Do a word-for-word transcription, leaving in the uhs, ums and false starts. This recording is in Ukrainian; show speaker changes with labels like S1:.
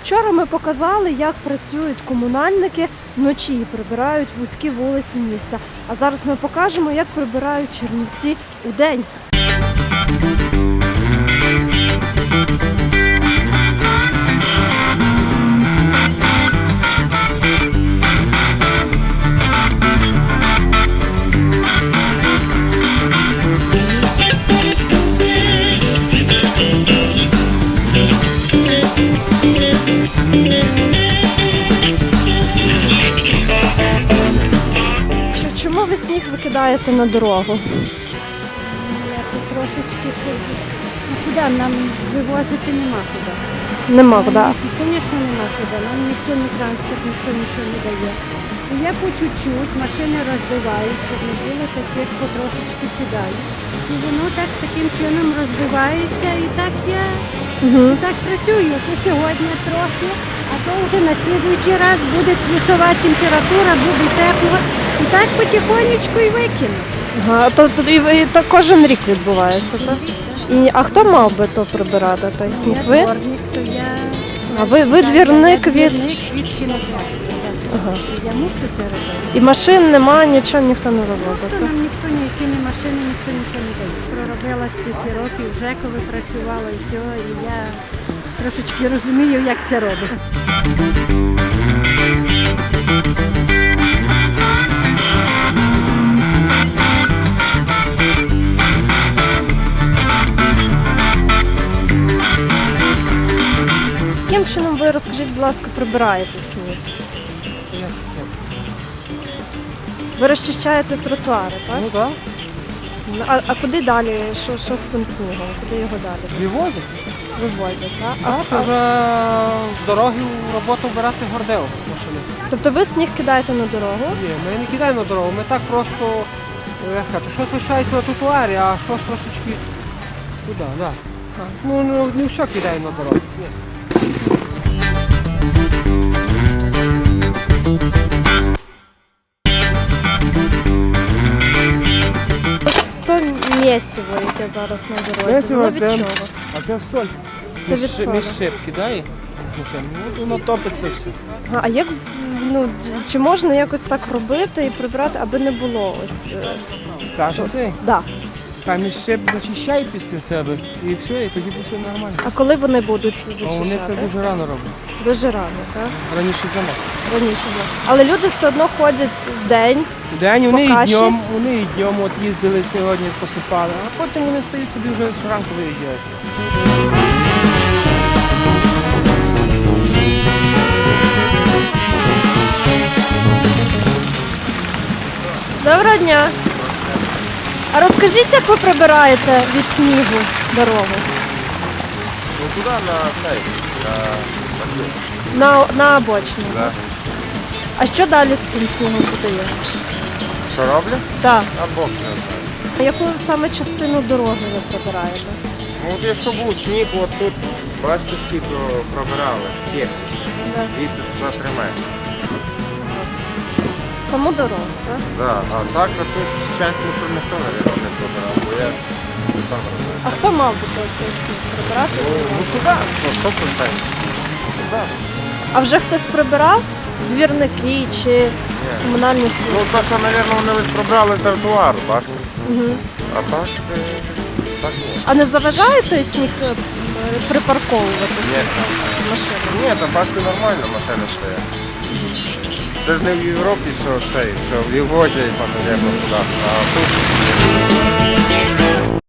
S1: Вчора ми показали, як працюють комунальники вночі і прибирають вузькі вулиці міста. А зараз ми покажемо, як прибирають Чернівці удень. Чому ви сніг викидаєте на дорогу?
S2: Трошечки куди нам вивозити нема куди.
S1: Нема куди.
S2: Звісно, нема куди. Нам ніхто не транспорт, ніхто нічого не дає. І я по чуть-чуть, машини розбиваються, не було таких потрошечки кидають. І воно так таким чином розбивається, і так я
S1: Угу.
S2: і так працюю. То сьогодні трохи, а то вже на слідуючий раз буде плюсова температура, буде тепло. І так потихонечку і викину.
S1: Ага, то, то, і, і, то кожен рік відбувається, так? І, а хто мав би то прибирати, той сніг?
S2: Я
S1: Ви?
S2: дворник, то я...
S1: А ви, ви двірник
S2: Я
S1: від...
S2: двірник від кінотеатру.
S1: Ага.
S2: Я мушу це робити.
S1: І машин нема, нічого ніхто не вивозить,
S2: Тобто
S1: так?
S2: нам ніхто ніякі не машини, ніхто нічого не дає. Проробила стільки років, вже коли працювала і все, і я трошечки розумію, як це робиться.
S1: Яким чином ви, розкажіть, будь ласка, прибираєте сніг? Ви розчищаєте тротуари, так?
S3: Ну так.
S1: А, а куди далі? Що, що з цим снігом? Куди його далі
S3: Вивозять.
S1: вивозять? Так?
S3: А
S1: А,
S3: це
S1: а,
S3: вже в дороги в роботу вбирати гордео машини.
S1: тобто ви сніг кидаєте на дорогу?
S3: Ні, ми не кидаємо на дорогу, ми так просто, як сказати, щось лишається на тротуарі, а щось трошечки туди, так. Ну, ну, не все кидаємо на дорогу. Ні.
S1: То місиво, яке зараз на дорозі,
S3: Місиво
S1: воно від
S3: це-
S1: чого?
S3: А це соль.
S1: Це від солі.
S3: Між шип кидає з машини, ну, воно топиться все.
S1: Ага, а як, з- ну, д- чи можна якось так робити і прибрати, аби не було ось... е,
S3: Каже цей.
S1: Да.
S3: Там між шип зачищає після себе і все, і тоді все нормально.
S1: А коли вони будуть це
S3: А
S1: зачищати?
S3: вони це дуже рано роблять.
S1: Дуже рано, так?
S3: Раніше за нас.
S1: Раніше. да. Але люди все одно ходять в день.
S3: День вони і
S1: Покаші.
S3: днем, вони і днем от їздили сьогодні, посипали, а потім вони стають собі вже зранку виїжджають.
S1: Доброго дня! А розкажіть, як ви прибираєте від снігу дорогу?
S4: Ну туда на сайт, на подъем.
S1: На, на обочину?
S4: Да.
S1: А що далі з цим снігом подає?
S4: Що роблю?
S1: Так.
S4: А Бог не знає.
S1: А яку саме частину дороги ви прибираєте?
S4: Ну от якщо був сніг, от тут, бачите, скільки пробирали, є,
S1: Да.
S4: від за три метри.
S1: Саму дорогу, так?
S4: Да. А так, а тут часть ніхто ніхто, мабуть, не пробирав, бо я сам робив.
S1: А хто мав би той той сніг прибирати?
S4: Ну, государство, сто процентів. Государство.
S1: А вже хтось прибирав? Двірники чи
S4: Ні.
S1: комунальні
S4: Ну,
S1: служби?
S4: то, що, мабуть, вони лише пробрали тротуар, бачите?
S1: Угу.
S4: А так, е, так ні.
S1: А не заважає той сніг е, припарковуватися
S4: Ні.
S1: машини?
S4: Ні, там бачите, нормально машини стоять. Це ж не в Європі, що цей, що вивозять, там, туди, а тут